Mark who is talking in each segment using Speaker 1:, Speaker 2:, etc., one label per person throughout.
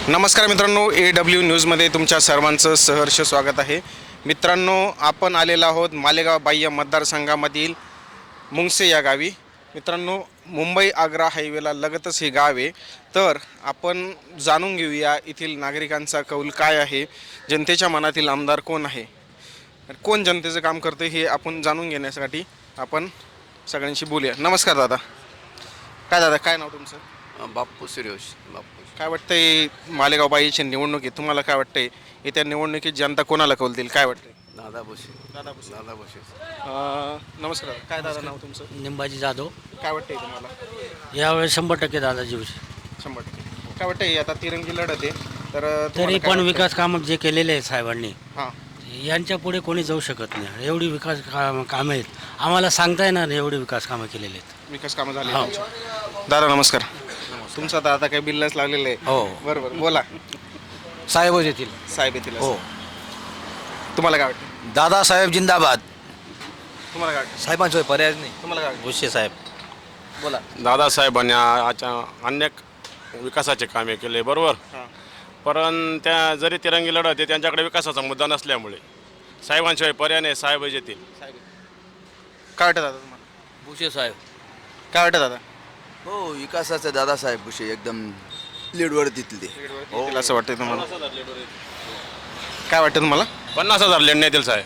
Speaker 1: नमस्कार मित्रांनो, AW न्यूजमध्ये तुमच्या सर्वांचं सहर्ष स्वागत आहे. मित्रांनो, आपण आलेलो आहोत मालेगाव बाह्य मतदारसंघामधील मुंगसे या गावी. मित्रांनो, मुंबई आग्रा हायवेला लगतच हे गाव आहे. तर आपण जाणून घेऊया येथील नागरिकांचा कौल काय आहे, जनतेच्या मनातील आमदार कोण आहे, कोण जनतेचं काम करते हे आपण जाणून घेण्यासाठी आपण सगळ्यांशी बोलूया. नमस्कार दादा. काय नाव तुमचं?
Speaker 2: बाप्पू सूर्यवंश. बाप्पू
Speaker 1: काय वाटतंय मालेगाव बाईची निवडणूक आहे, तुम्हाला काय वाटतंय येत्या निवडणुकीत जनता कोणाला कौल देईल, काय वाटतंय?
Speaker 2: दादा भुसे. दादा भुसे.
Speaker 1: नमस्कार. काय दादा नाव तुमचं?
Speaker 3: निंबाजी जाधव.
Speaker 1: काय वाटतंय तुम्हाला?
Speaker 3: यावेळेस 100% दादाजी भुसे.
Speaker 1: 100%. काय वाटतंय आता तिरंगी लढत आहे तर
Speaker 3: तरी
Speaker 1: तुम्हाला काय
Speaker 3: पण
Speaker 1: वाटतंय?
Speaker 3: विकास कामं जे केलेले आहेत साहेबांनी,
Speaker 1: हां,
Speaker 3: यांच्या पुढे कोणी जाऊ शकत नाही. एवढी विकास कामं आहेत, आम्हाला सांगता येणार नाही एवढी विकास कामं केलेली आहेत.
Speaker 1: विकास कामं झाले
Speaker 3: हो.
Speaker 1: दादा नमस्कार. तुमचं आता आता काही बिलच लागलेलं आहे.
Speaker 3: हो.
Speaker 1: बरोबर, बोला.
Speaker 3: साहेबच येतील.
Speaker 1: साहेब येतील
Speaker 3: हो.
Speaker 1: असं. तुम्हाला काय वाटतं?
Speaker 3: दादासाहेब जिंदाबाद.
Speaker 1: तुम्हाला काय वाटतं?
Speaker 3: साहेबांशिवाय पर्यायच नाही.
Speaker 1: तुम्हाला काय वाटतं?
Speaker 3: भुसे साहेब.
Speaker 1: बोला.
Speaker 4: दादासाहेबांनी अनेक विकासाचे कामे केले बरोबर.
Speaker 1: हां.
Speaker 4: पण त्या जरी तिरंगी लढत आहे त्यांच्याकडे विकासाचा मुद्दा नसल्यामुळे साहेबांशिवाय पर्याय नाही, साहेब येतील.
Speaker 1: साहेब काय वाटतं दादा तुम्हाला?
Speaker 3: भुसे साहेब.
Speaker 1: काय वाटतं दादा?
Speaker 2: हो, विकासाचे दादासाहेब भुसे एकदम लीडवर तिथले.
Speaker 1: येतील असं वाटतंय तुम्हाला? काय वाटतं तुम्हाला?
Speaker 4: 50,000 लेण येतील साहेब.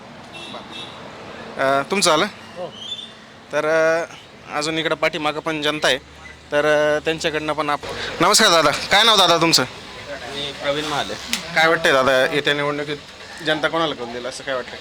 Speaker 1: तुमचं आलं
Speaker 3: हो.
Speaker 1: तर अजून इकडं पाठीमागं पण जनता आहे तर त्यांच्याकडनं पण नमस्कार दादा. काय नाव दादा तुमचं?
Speaker 3: प्रवीण महाले.
Speaker 1: काय वाटतंय दादा येत्या निवडणुकीत जनता कोणाला कौल देईल असं काय वाटतंय?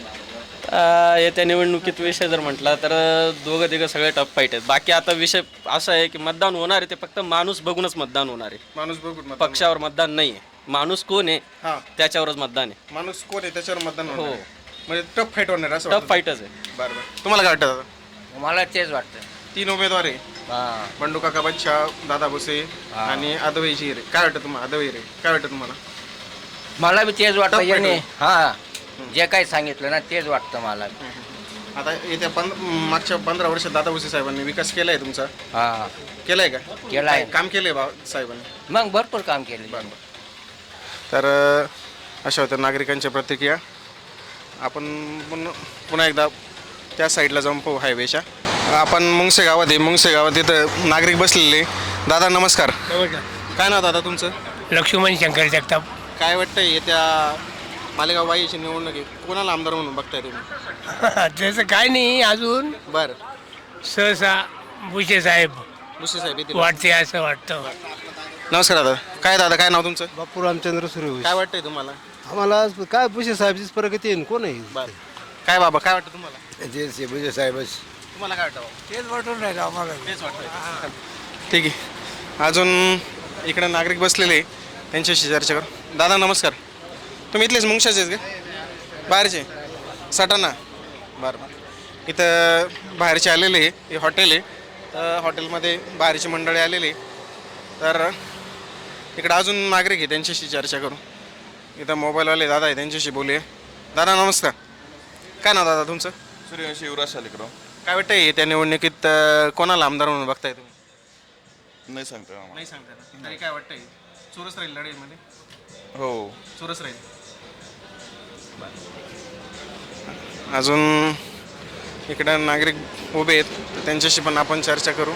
Speaker 5: येत्या निवडणुकीत विषय जर म्हटला तर दोघं तिघं सगळे टफ फाईट आहेत. बाकी आता विषय असा आहे की मतदान होणार आहे ते फक्त माणूस बघूनच मतदान होणार आहे.
Speaker 1: माणूस बघून
Speaker 5: पक्षावर मतदान नाही आहे. माणूस कोण आहे
Speaker 1: हां,
Speaker 5: त्याच्यावरच मतदान आहे.
Speaker 1: माणूस कोण आहे त्याच्यावर मतदान होणार
Speaker 5: हो.
Speaker 1: आहे. म्हणजे टफ फाईट होणार असं
Speaker 5: टफ
Speaker 1: वाटतं?
Speaker 5: फाईटच आहे.
Speaker 1: बरं बरं. तुम्हाला काय वाटतं दादा?
Speaker 3: मला तेच वाटतं.
Speaker 1: 3 उमेदवार आहे, बंडू काका बच्चा, दादा भुसे आणि अदवई हिरे. काय वाटतं तुम्हाला? अदवई हिरे काय वाटतं तुम्हाला?
Speaker 6: मला बी तेच वाटतं.
Speaker 1: टफ
Speaker 6: याने
Speaker 1: फाईट
Speaker 6: हां जे काही सांगितलं ना तेच वाटतं मला.
Speaker 1: आता येत्या मागच्या 15 वर्षात दादा भुसे साहेबांनी विकास केलाय तुमचा?
Speaker 6: हां
Speaker 1: केलाय का?
Speaker 6: केलाय.
Speaker 1: काम केलंय साहेबांनी?
Speaker 6: मग भरपूर काम केलं.
Speaker 1: तर अशा होत्या नागरिकांच्या प्रतिक्रिया. आपण पुन्हा एकदा त्या साईडला जाऊन पाहू हायवेच्या. आपण मुंगसे गावात आहे. मुंगसे गावात इथं नागरिक बसलेले. दादा नमस्कार. काय नाव दादा तुमचं?
Speaker 7: लक्ष्मण शंकर जगताप.
Speaker 1: काय वाटतंय येत्या मालेगाव बाईची निवडणूक आहे, कोणाला आमदार म्हणून बघताय तुम्ही?
Speaker 7: त्याचं काय नाही अजून,
Speaker 1: बरं,
Speaker 7: सहसा भुसे साहेब
Speaker 1: भुसे साहेब येतील.
Speaker 7: वाटते असं वाटतं.
Speaker 1: नमस्कार दादा. काय नाव तुमचं?
Speaker 8: बापू रामचंद्र सूर्यवंशी.
Speaker 1: काय वाटतंय तुम्हाला?
Speaker 8: आम्हाला काय भुसे साहेबचीच प्रगती आहे, कोण आहे?
Speaker 1: बरं. काय बाबा काय वाटतं तुम्हाला?
Speaker 8: जे भुसे साहेबच.
Speaker 1: तुम्हाला काय वाटतं बाबा?
Speaker 7: तेच वाटून राहिलं आम्हाला.
Speaker 1: तेच वाटतं. ठीक आहे. अजून इकडे नागरिक बसलेले, त्यांच्याशी चर्चा करू. दादा नमस्कार. तुम्ही इथलेच मुंगशाचे आहेत का? बाहेरचे? सटाणा. बरं. इथं बाहेरचे आलेले, हे हॉटेल आहे. तर हॉटेलमध्ये बाहेरची मंडळी आलेली. तर इकडं अजून नागरिक आहे, त्यांच्याशी चर्चा करू. इथं मोबाईलवाले दादा आहे, त्यांच्याशी बोलूया. दादा नमस्कार. काय नाव दादा तुमचं?
Speaker 4: सूर्यवंशी युवराज शालिकराव.
Speaker 1: काय वाटतंय त्या निवडणुकीत कोणाला आमदार म्हणून बघताय तुम्ही?
Speaker 4: नाही सांगता
Speaker 1: नाही सांगता ना. तरी काय वाटतंय चोरस राहील लढाईमध्ये?
Speaker 4: हो.
Speaker 1: चोरस राहील. अजून इकडं नागरिक उभे आहेत, तर त्यांच्याशी पण आपण चर्चा करू.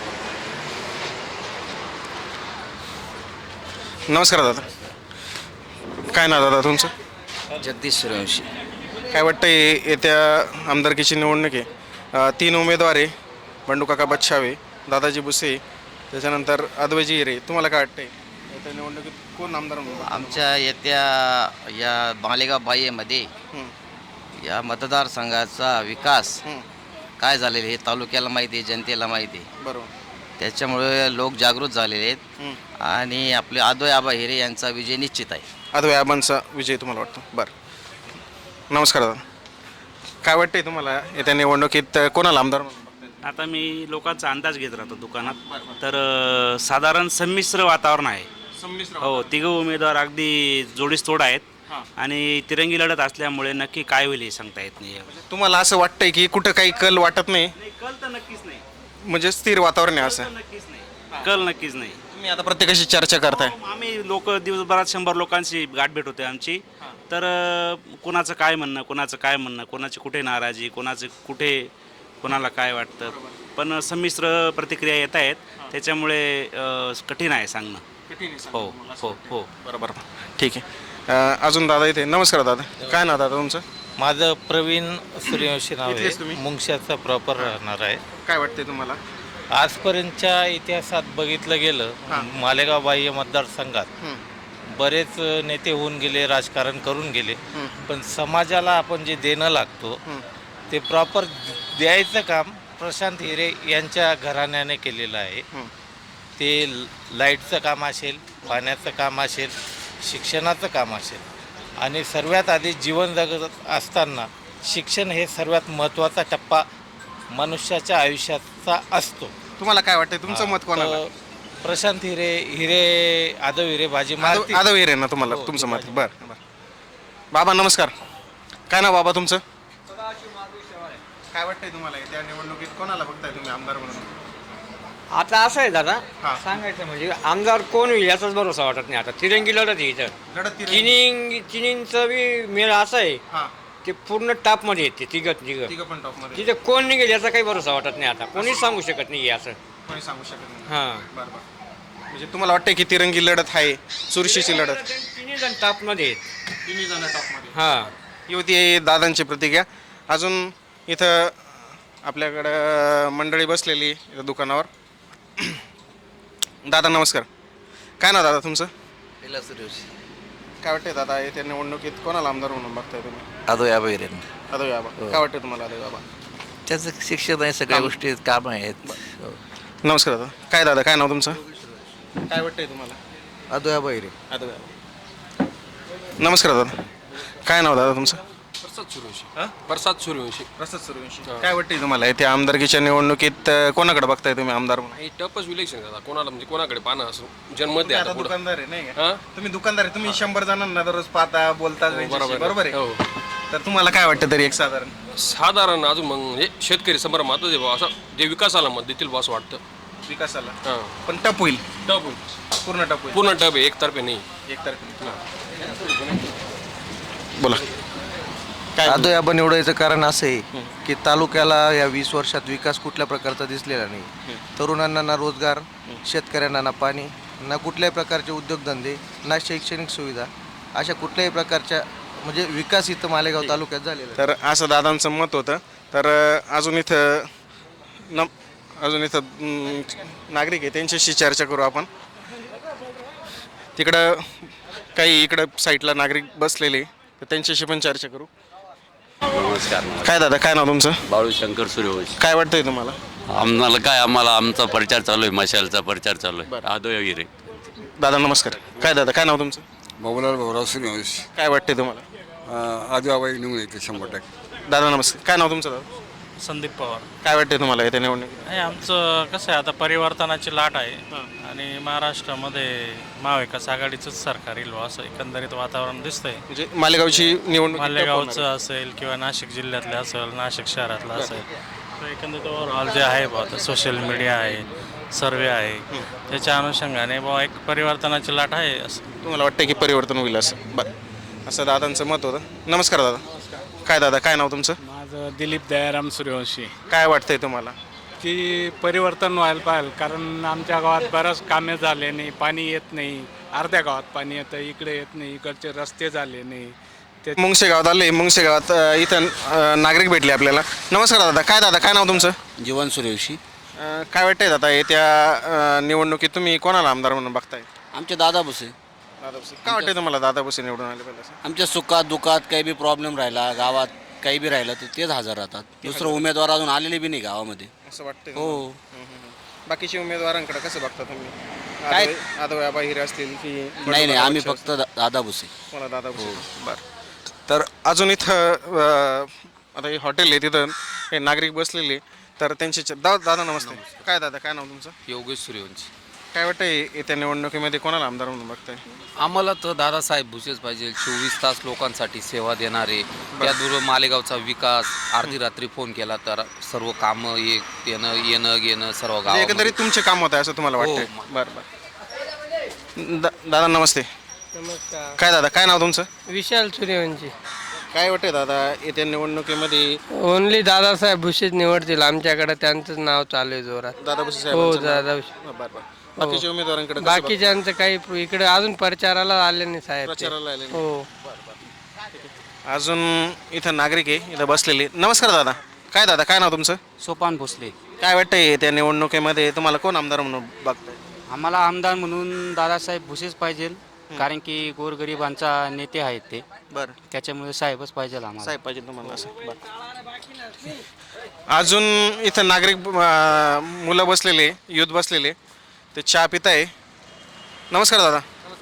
Speaker 1: नमस्कार दादा. काय नाव दादा तुमचं?
Speaker 6: जगदीश सूर्यवंशी.
Speaker 1: काय वाटतंय येत्या आमदारकीची निवडणूक आहे, 3 उमेदवार आहे, बंडू काका बच्छावे, दादाजी भुसे, त्याच्यानंतर अद्वैजी हिरे. तुम्हाला काय वाटतंय येत्या निवडणुकीत कोण आमदार म्हणून?
Speaker 6: आमच्या येत्या या मालेगाव बाह्यमध्ये या मतदारसंघाचा विकास काय झालेला हे तालुक्याला माहिती आहे, जनतेला माहिती आहे.
Speaker 1: बरोबर.
Speaker 6: त्याच्यामुळे लोक जागृत झालेले आहेत आणि आपले आदोय आबा हिरे यांचा विजय निश्चित आहे.
Speaker 1: अद्वै आबांचा विजय तुम्हाला वाटतो? बरं. नमस्कार दादा. काय वाटतंय तुम्हाला येत्या निवडणुकीत कोणाला आमदार म्हणून बघताय?
Speaker 9: आता मी लोकांचा अंदाज घेत राहतो दुकानात, तर साधारण संमिश्र वातावरण आहे.
Speaker 1: संमिश्र.
Speaker 9: हो, तिघं उमेदवार अगदी जोडीस-तोड आहेत आणि तिरंगी लढत असल्यामुळे नक्की काय होईल हे सांगता येत नाही.
Speaker 1: तुम्हाला असं वाटतंय की कुठं काही कल वाटत नाही,
Speaker 9: कल तर नक्कीच नाही.
Speaker 1: म्हणजे स्थिर वातावरण आहे असं?
Speaker 9: नक्कीच नाही. कल नक्कीच नाही.
Speaker 1: तुम्ही आता प्रत्येकाशी चर्चा करताय.
Speaker 9: आम्ही लोक दिवसभरात 100 लोकांची गाठ भेट होते आमची. तर कोणाचं काय म्हणणं, कोणाचं काय म्हणणं, कोणाची कुठे नाराजी, कोणाचं कुठे कोणाला काय वाटतं, पण संमिश्र प्रतिक्रिया येत आहेत. त्याच्यामुळे कठीण आहे सांगणं. हो हो हो.
Speaker 1: बरोबर, ठीक आहे. अजून दादा इथे. नमस्कार दादा, काय नाव दादा तुमचं?
Speaker 10: माझं प्रवीण सूर्यवंशी नाव
Speaker 1: इथलेच तुम्ही?
Speaker 10: आहे, मुंगशाचा प्रॉपर राहणार आहे.
Speaker 1: काय वाटते तुम्हाला?
Speaker 10: आजपर्यंतच्या इतिहासात बघितलं गेलं, मालेगाव बाह्य मतदारसंघात बरेच नेते होऊन गेले, राजकारण करून गेले, पण समाजाला आपण जे देणं लागतो ते प्रॉपर द्यायचं काम प्रशांत हिरे यांच्या घराण्याने केलेलं आहे. ते लाईटचं काम असेल, पाण्याचं काम असेल, शिक्षणाचं काम असेल, आणि सर्वात आधी जीवन जगत असताना शिक्षण हे सर्वात महत्त्वाचा टप्पा मनुष्याच्या आयुष्याचा असतो.
Speaker 1: तुम्हाला काय वाटतंय, तुमचं मत कोणाला?
Speaker 10: तर प्रशांत आदव हिरे बाजी मारतील.
Speaker 1: आदव हिरे ना तुम्हाला, तुमचं मत? बरं बरं. बाबा नमस्कार, काय नाव बाबा तुमचं? काय वाटतंय तुम्हाला त्या निवडणुकीत कोणाला बघताय तुम्ही आमदार म्हणून?
Speaker 7: आता असं आहे दादा,
Speaker 1: हा.
Speaker 7: सांगायचं म्हणजे आमदार कोण होईल याचाच भरोसा वाटत नाही. आता तिरंगी लढत आहे इथं.
Speaker 1: लढत ती
Speaker 7: चिनींचं बी मेळ असं आहे,
Speaker 1: हां,
Speaker 7: ते पूर्ण टापमध्ये येते तिघं
Speaker 1: तिघं पण टॉपमध्ये.
Speaker 7: तिथे कोण निघेल याचा काही भरोसा वाटत नाही. आता कोणीच सांगू शकत नाही असं.
Speaker 1: कोणी सांगू शकत नाही.
Speaker 7: हां,
Speaker 1: बरं बरं. म्हणजे तुम्हाला वाटतंय की तिरंगी लढत आहे, चुरशीची लढत?
Speaker 7: तिन्ही जण टापमध्ये आहेत.
Speaker 1: तिन्ही जण टॉपमध्ये.
Speaker 7: हां,
Speaker 1: ही होती दादांची प्रतिक्रिया. अजून इथं आपल्याकडं मंडळी बसलेली इथं दुकानावर. दादा नमस्कार, काय ना दादा तुमचं?
Speaker 2: सूर्यवंशी.
Speaker 1: काय वाटतंय दादा येत्या निवडणुकीत कोणाला आमदार म्हणून बघताय तुम्ही?
Speaker 2: आदो या बैरे
Speaker 1: आदव बाबा. काय वाटतंय तुम्हाला आदव बाबा?
Speaker 2: त्याचं शिक्षण आहे, सगळ्या गोष्टी काम आहेत.
Speaker 1: नमस्कार दादा, काय दादा काय नाव तुमचं? काय वाटतंय तुम्हाला?
Speaker 2: आदो या बैरे.
Speaker 1: आदव बाबा. नमस्कार दादा, काय नाव दादा तुमचं?
Speaker 11: प्रसाद सूर्यवंशी.
Speaker 1: प्रसाद सूर्यवंशी. काय वाटतंय तुम्हाला येत्या आमदारकीच्या निवडणुकीत कोणाकडे बघताय तुम्ही आमदार म्हणून?
Speaker 11: हे टपच इलेक्शन दादा, कोणाला म्हणजे कोणाकडे पाहणं असो जन्म
Speaker 1: तुम्ही
Speaker 11: द्या
Speaker 1: आता
Speaker 11: पुढं.
Speaker 1: दुकानदार आहे नाही का?
Speaker 11: हां?
Speaker 1: तुम्ही दुकानदार आहे, तुम्ही 100 जणांना दररोज पाहता, बोलता त्यांच्याशी, बरोबर आहे?
Speaker 11: हो.
Speaker 1: तर तुम्हाला काय वाटतं तरी एक साधारण?
Speaker 11: साधारण अजून मग हे शेतकरी समोर महत्व दे बा, असं जे विकासाला मत देतील बा असं वाटतं.
Speaker 1: विकासाला
Speaker 11: हां,
Speaker 1: पण टप होईल,
Speaker 11: टप होईल.
Speaker 1: पूर्ण टप होईल.
Speaker 11: पूर्ण टप आहे, एकतर्फे नाही.
Speaker 1: बोला काय?
Speaker 2: आदो या निवडायचं कारण असं आहे की तालुक्याला या 20 वर्षात विकास कुठल्या प्रकारचा दिसलेला नाही. तरुणांना ना रोजगार, शेतकऱ्यांना ना पाणी, ना कुठल्याही प्रकारचे उद्योगधंदे, ना शैक्षणिक सुविधा, अशा कुठल्याही प्रकारच्या म्हणजे विकास इथं मालेगाव तालुक्यात झालेला आहे.
Speaker 1: तर असं दादांचं मत होतं. तर अजून इथं नागरिक आहे, त्यांच्याशी चर्चा करू आपण. तिकडं काही इकडं साईडला नागरिक बसलेले, तर त्यांच्याशी पण चर्चा करू.
Speaker 12: नमस्कार.
Speaker 1: काय दादा काय नाव तुमचं?
Speaker 12: बाळू शंकर सूर्यवंशी.
Speaker 1: काय वाटतंय तुम्हाला?
Speaker 12: आम्हाला आमचा प्रचार चालू आहे, मशालचा प्रचार चालू आहे. आदो हिरे.
Speaker 1: दादा नमस्कार, काय दादा काय नाव तुमचं?
Speaker 13: बाबूलाल भाऊराव सूर्यवंशी.
Speaker 1: काय वाटतंय तुम्हाला?
Speaker 13: आदिवाबाई निवडून येते 100%.
Speaker 1: दादा नमस्कार, काय नाव तुमचं दादा?
Speaker 3: संदीप पवार.
Speaker 1: काय वाटतंय तुम्हाला येत्या निवडणुकीत?
Speaker 3: नाही, आमचं कसं आहे, आता परिवर्तनाची लाट आहे आणि महाराष्ट्रामध्ये महाविकास आघाडीचंच सरकार येईल बुवा, असं एकंदरीत वातावरण दिसतंय.
Speaker 1: म्हणजे मालेगावची निवडणूक
Speaker 3: मालेगावचं असेल किंवा नाशिक जिल्ह्यातलं असेल, नाशिक शहरातलं असेल, तर एकंदरीत ओव्हरऑल जे आहे बुवा, आता सोशल मीडिया आहे, सर्वे आहे, त्याच्या अनुषंगाने बुवा एक परिवर्तनाची लाट आहे असं.
Speaker 1: तुम्हाला वाटतं की परिवर्तन होईल असं? बरं, असं दादांचं मत होतं. नमस्कार दादा, काय दादा काय नाव तुमचं?
Speaker 7: माझं दिलीप दयाराम सूर्यवंशी.
Speaker 1: काय वाटतंय तुम्हाला?
Speaker 7: की परिवर्तन व्हायला पाहिजे, कारण आमच्या गावात बरंच कामे झाले नाही, पाणी येत नाही. अर्ध्या गावात पाणी येतं, इकडे येत नाही, इकडचे रस्ते झाले नाही. ते
Speaker 1: मुंगसे गावात आले. मुंगसे गावात इथं नागरिक भेटले आपल्याला. नमस्कार दादा, काय नाव तुमचं?
Speaker 2: जीवन सूर्यवंशी.
Speaker 1: काय वाटतंय दादा येत्या निवडणुकीत तुम्ही कोणाला आमदार म्हणून बघताय?
Speaker 2: आमचे दादा भुसे.
Speaker 1: दादा भुसे. काय वाटतंय तुम्हाला दादा भुसे निवडून आले पाहिजे असं?
Speaker 2: आमच्या सुखात दुखात काही बी प्रॉब्लेम राहिला, गावात काही बी राहिलं तर तेच हजर राहतात. दुसरं उमेदवार अजून आलेले बी नाही गावामध्ये.
Speaker 1: असं वाटतंय?
Speaker 2: हो.
Speaker 1: बाकीच्या उमेदवारांकडे कसं बघता तुम्ही?
Speaker 2: काय?
Speaker 1: आदव हिरे असतील की?
Speaker 2: नाही आम्ही फक्त दादा भुसे.
Speaker 1: मला दादा भुसे. बरं. तर अजून इथं आता हे हॉटेल आहे, तिथं हे नागरिक बसलेले, तर त्यांची दादा नमस्ते. काय दादा काय नाव तुमचं?
Speaker 11: योगेश सूर्यवंशी.
Speaker 1: काय वाटतंय येत्या निवडणुकीमध्ये कोणाला आमदार म्हणून बघताय?
Speaker 11: आम्हाला तर दादासाहेब भुसेच पाहिजे. 24 तास लोकांसाठी सेवा देणारे, त्यादूर मालेगावचा विकास. अर्धी रात्री फोन केला तर सर्व कामं येणं घेणं सर्व गाव.
Speaker 1: एकंदरीत तुमचे काम होत आहे असं तुम्हाला वाटतंय?
Speaker 11: हो.
Speaker 1: बरं. दादा नमस्ते.
Speaker 14: नमस्कार.
Speaker 1: काय दादा, काय नाव तुमचं?
Speaker 14: विशाल सूर्यवंशी.
Speaker 1: काय वाटते दादा, येत्या निवडणुकीमध्ये
Speaker 14: ओनली दादासाहेब भुसेच निवडतील आमच्याकडे, त्यांचंच नाव चालू आहे जोरात.
Speaker 1: दादा भुसे
Speaker 14: हो
Speaker 1: साहेबांचं नाव?
Speaker 14: दादा
Speaker 1: बरं बरं. बाकीच्या उमेदवारांकडे कसं
Speaker 14: बाकीच्यांचं काही इकडे अजून प्रचाराला आले नाही साहेब ते.
Speaker 1: प्रचाराला आले नाही?
Speaker 14: हो.
Speaker 1: बघा. अजून इथं नागरिक आहे, इथं बसलेले. नमस्कार दादा. काय दादा, काय नाव तुमचं?
Speaker 15: सोपान भोसले.
Speaker 1: काय वाटतंय त्या निवडणुकीमध्ये तुम्हाला कोण आमदार म्हणून बघताय?
Speaker 15: आम्हाला आमदार म्हणून दादासाहेब भुसेच पाहिजे, कारण की गोरगरिबांचा नेते आहेत ते.
Speaker 1: बरं.
Speaker 15: त्याच्यामुळे साहेबच पाहिजे आम्हाला.
Speaker 1: साहेब पाहिजे तुम्हाला असं. बरं. अजून इथं नागरिक मुलं बसलेले, युथ बसलेले, ते चहा पिताय. नमस्कार दादा.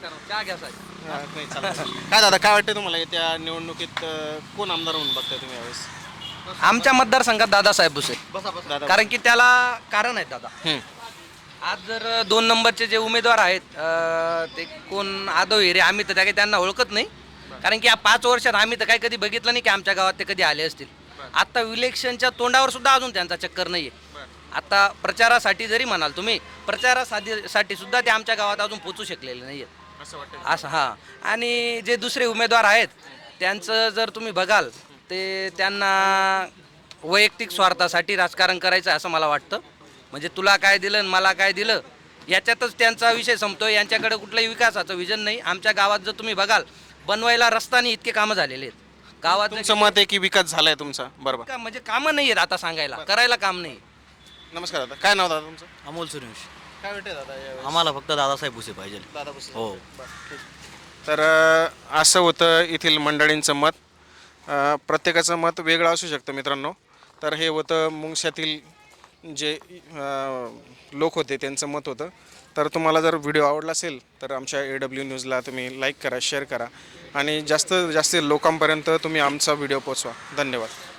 Speaker 1: काय दादा, काय वाटतं तुम्हाला येत्या निवडणुकीत कोण आमदार म्हणून बघताय तुम्ही यावेळेस?
Speaker 2: आमच्या मतदारसंघात दादासाहेब भुसे,
Speaker 1: दादा.
Speaker 2: कारण की त्याला कारण आहेत दादा. आज जर 2 नंबरचे जे उमेदवार आहेत ते कोण आदव हिरे, आम्ही तर काही त्यांना ओळखत नाही, कारण की या 5 वर्षात आम्ही तर काही कधी बघितलं नाही की आमच्या गावात ते कधी आले असतील. आता इलेक्शनच्या तोंडावर सुद्धा अजून त्यांचा चक्कर नाही आहे. आता प्रचारासाठी जरी म्हणाल तुम्ही, प्रचारासाठी सुद्धा ते आमच्या गावात अजून पोचू शकलेले नाही आहेत असं. हां. आणि जे दुसरे उमेदवार आहेत त्यांचं जर तुम्ही बघाल ते त्यांना वैयक्तिक स्वार्थासाठी राजकारण करायचं असं मला वाटतं. म्हणजे तुला काय दिलं आणि मला काय दिलं याच्यातच त्यांचा विषय संपतो. यांच्याकडे कुठलंही विकासाचं विजन नाही. आमच्या गावात जर तुम्ही बघाल, बनवायला रस्त्याने इतके कामं झालेले आहेत गावात.
Speaker 1: तुमचं मत आहे की विकास झालाय तुमचा? बरोबर.
Speaker 2: म्हणजे कामं नाही आहेत आता सांगायला, करायला काम नाही.
Speaker 1: नमस्कार दादा. काय नाव दादा तुमचं?
Speaker 16: अमोल सूर्यवंशी.
Speaker 1: काय वाटते दादा यावेळेस?
Speaker 16: आम्हाला फक्त दादासाहेब भुसे पाहिजे.
Speaker 1: दादा भुसे.
Speaker 16: हो.
Speaker 1: तर असं होतं येथील मंडळींचं मत. प्रत्येकाचं मत वेगळं असू शकतं मित्रांनो. तर हे होतं मुंगशातील जे लोक होते त्यांचं मत होतं. तर तुम्हाला जर व्हिडिओ आवडला असेल तर आमच्या AW न्यूजला तुम्ही लाईक करा, शेअर करा आणि जास्तीत जास्त लोकांपर्यंत तुम्ही आमचा व्हिडिओ पोचवा. धन्यवाद.